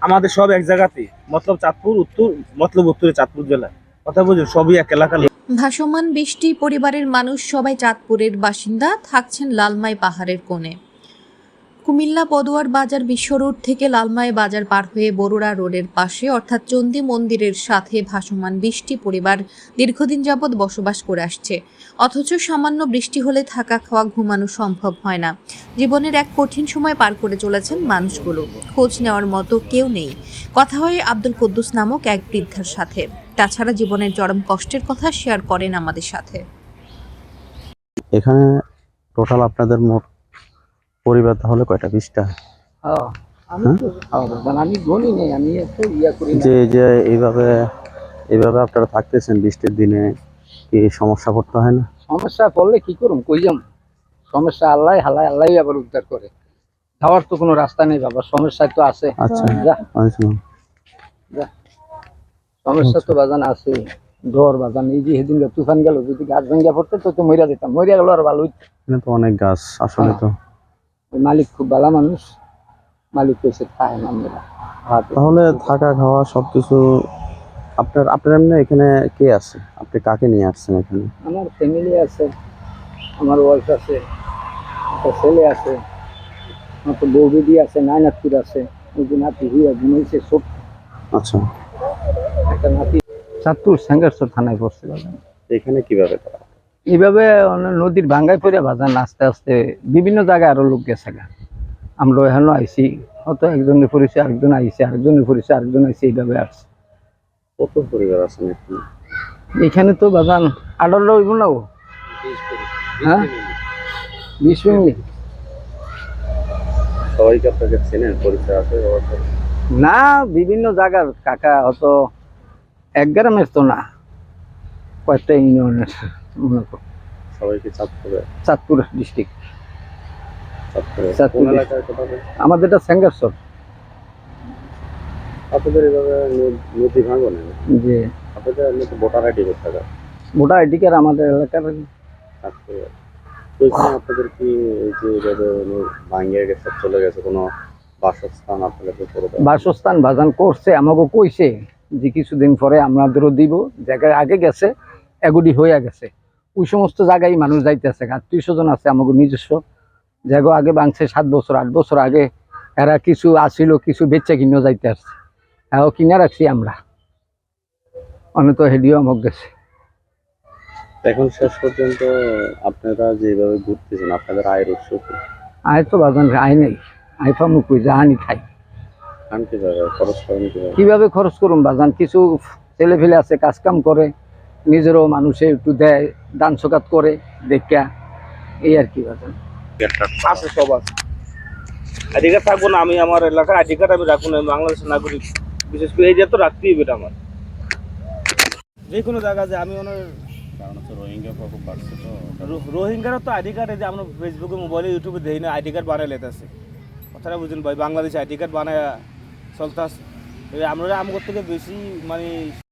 আমাদের সব এক জায়গাতে, মতলব চাঁদপুর উত্তর, মতলব উত্তরে চাঁদপুর জেলা, কথা বুঝুন, সবই এক এলাকার। ভাসমান বৃষ্টি পরিবারের মানুষ সবাই চাঁদপুরের বাসিন্দা, থাকছেন লালমাই পাহাড়ের কোণে। কুমিল্লা পদুয়ার বাজার বিশ্ব রোড থেকে লালমাই বাজার পার হয়ে বরুড়া রোডের পাশে অর্থাৎ চণ্ডী মন্দিরের সাথে ভাসমান বৃষ্টি পরিবার দীর্ঘদিন যাবৎ বসবাস করে আসছে। অথচ সামান্য বৃষ্টি হলে থাকা খাওয়া ঘুমানো সম্ভব হয় না। জীবনের এক কঠিন সময় পার করে চলেছেন মানুষগুলো, খোঁজ নেওয়ার মতো কেউ নেই। কথা হয় আব্দুল কুদ্দুস নামক এক বৃদ্ধার সাথে। তাছাড়া জীবনের চরম কষ্টের কথা শেয়ার করেন আমাদের সাথে। এখানে টোটাল আপনাদের মোট পরিবার তাহলে কয়টা? 20টা? আমি গণি নেই, আমি একটু করি না। যে যে এইভাবে এইভাবে আপনারা থাকতেছেন বৃষ্টির দিনে, কি সমস্যা পড়তে হয় না? সমস্যা পড়লে কি করুম, কই যাম? সমস্যা আল্লাহ হালায়, আল্লাহ আবার উদ্ধার করে। যাওয়ার তো কোনো রাস্তা নেই বাবা, সমস্যা তো আছে। আচ্ছা, যা আচ্ছা। যা, সমস্যা তো বাজান আছে। ডর বাজান, এই যে সেদিন তুফান গেল, যদি গাছ ভেঙ্গা পড়তো তো মরিয়া দিতাম, মরিয়া গেল আর ভালো হইতো। এখানে তো অনেক গাছ আসলে। তো ওই মালিক খুব ভালো মানুষ, মালিক কইছে খায় না আমরা। তাহলে থাকা খাওয়া সবকিছু আপনার আপনার এমনি এখানে কে আছে? আপনি কাকে নিয়ে আসছেন এখানে? আমার ফ্যামিলি আছে, আমার ওয়াইফ আছে, একটা ছেলে আছে, আমার তো বউ বেদি আছে, নাতির আছে। ওই যে নাতি হুইয়া ঘুমাইছে সব। আচ্ছা, একটা নাতি চাঁদপুর সেঙ্গারচর থানায় পড়ছে বাজান। এখানে কিভাবে করা? এইভাবে নদীর ভাঙ্গায় পড়ে বাজান আস্তে আস্তে বিভিন্ন জায়গায় আরো লোক গেছে গা। আমরা এখানেও আইসি, হয়তো একজনের পরিচয় আরেকজন আইসি, আরেকজনের পরিচয় আরেকজন আইসি, এইভাবে আসছে। কত পরিবার আছেন এখানে? এখানে তো বাজান 18 হইব না ও, হ্যাঁ 20 ফ্যামিলি। সবাইকে আপনাকে চেনেন, পরিচয় আছে? না, বিভিন্ন জায়গার কাকা, হয়তো এক গ্রামের তো না, কয়েকটা ইউনিয়নের মনে করো। সবাইকে চাঁদপুরে? চাঁদপুর ডিস্ট্রিক্ট। কোন এলাকায় কোথায়? আমাদের এটা সেঙ্গারচর। আপনাদের এভাবে নদী ভাঙনে যে আপনাদের এমনি তো ভোটার আইডি করতে হবে। ভোটার আইডি কার্ড আমাদের এলাকার। ওইখানে আপনাদের কি এই যে এভাবে ভাঙিয়ে গেছে, চলে গেছে, কোনো বাসস্থান আপনাদের করে দেওয়া? বাসস্থান বাজান করছে, আমাকে কইছে যে কিছুদিন পরে আমাদেরও দিব। জায়গায় আগে গেছে, এগুডি হয়ে গেছে, ওই সমস্ত জায়গায় মানুষ যাইতেছে। আত্মীয় স্বজন আছে আমাকে নিজস্ব জায়গা, আগে ভাঙছে 7 বছর 8 বছর আগে। এরা কিছু আসিল, কিছু বেচা কিনেও যাইতে আসছে, এও কিনে রাখছি আমরা। অনেক তো হেডিও আমাকে গেছে। এখন শেষ পর্যন্ত আপনারা যেভাবে ঘুরতেছেন, আপনাদের আয়ের উৎস কি? আয় তো বাজান আয় নেই, আয় পামু কই, জাহানি খাই। খান কিভাবে, খরচ করেন কিভাবে? কিভাবে খরচ করুন বাজান? কিছু ছেলে ফেলে আছে, কাজ কাম করে, নিজেরও মানুষে একটু দেয়, দান সকাত করে দেখা, এই আর কি বাজান। আছে সব আছে। আইডি কার্ড থাকবো না? আমি আমার এলাকার আইডি কার্ড আমি রাখবো না, বাংলাদেশের নাগরিক, বিশেষ করে এই যে তো রাখতেই হবে আমার যে কোনো জায়গা। যে আমি ওনার কারণ হচ্ছে রোহিঙ্গা খুব বাড়ছে, তো রোহিঙ্গারও তো আইডি কার্ড, এই যে আমরা ফেসবুকে মোবাইলে ইউটিউবে দেখি না, আইডি কার্ড বানাই লেতেছে। কথাটা বুঝুন ভাই, বাংলাদেশে আইডি কার্ড বানায় চলতে আছে। আমরা আমার থেকে বেশি মানে